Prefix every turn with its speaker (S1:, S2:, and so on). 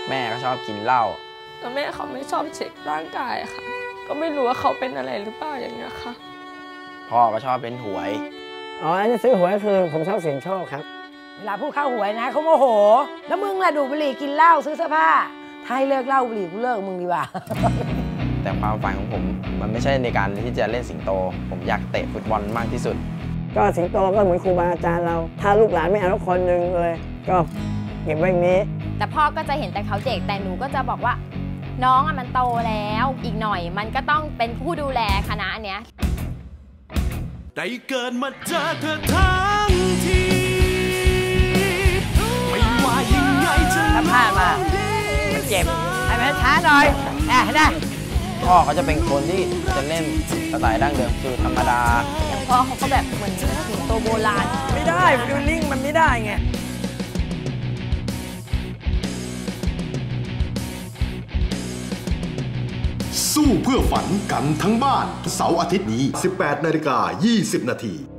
S1: แม่ก็ชอบกินเหล้า
S2: แล้วแม่เขาไม่ชอบเช็คร่างกายค่ะก็ไม่รู้ว่าเขาเป็นอะไรหรือเปล่าอย่างเงี้ยค่ะ
S1: พ่อก็ชอบเล่นหวย
S3: อ๋ออันนี้ซื้อหวยคือผมชอบเสี่ยงโชคครับ
S4: เวลาพูดเข้าหวยนะเขาโมโหแล้วมึงล่ะดูบุหรี่กินเหล้าซื้อเสื้อผ้าถ้าให้เลิกเหล้าบุหรี่กูเลิกมึงดีกว่า
S1: แต่ความฝันของผมมันไม่ใช่ในการที่จะเล่นสิงโตผมอยากเตะฟุตบอลมากที่สุด
S3: ก็สิงโตก็เหมือนครูบาอาจารย์เราถ้าลูกหลานไม่เอาคนหนึ่งเลยก็เก็บไว้อย่างนี้
S5: แต่พ่อก็จะเห็นแต่เขาเด็กแต่หนูก็จะบอกว่าน้องมันโตแล้วอีกหน่อยมันก็ต้องเป็นผู้ดูแลคณะเนี้ย
S6: ได้เกิดมาเจอเธอทั้งทีไม่ว่ายังไงจะ
S4: ถ้าพลาดมามันเจ็บให้มันช้าหน่อยได้
S1: พ่อเขาจะเป็นคนที่จะเล่นสไตล์ดั้งเดิมคือธรรมดา
S5: อย่างพ่อเขาก็แบบเหมือนสิงโตโบราณ
S3: ไม่ได้ฟิลลิ่งมันไม่ได้ไง
S7: สู้เพื่อฝันกันทั้งบ้านเสาร์อาทิตย์นี้ 18:20 น.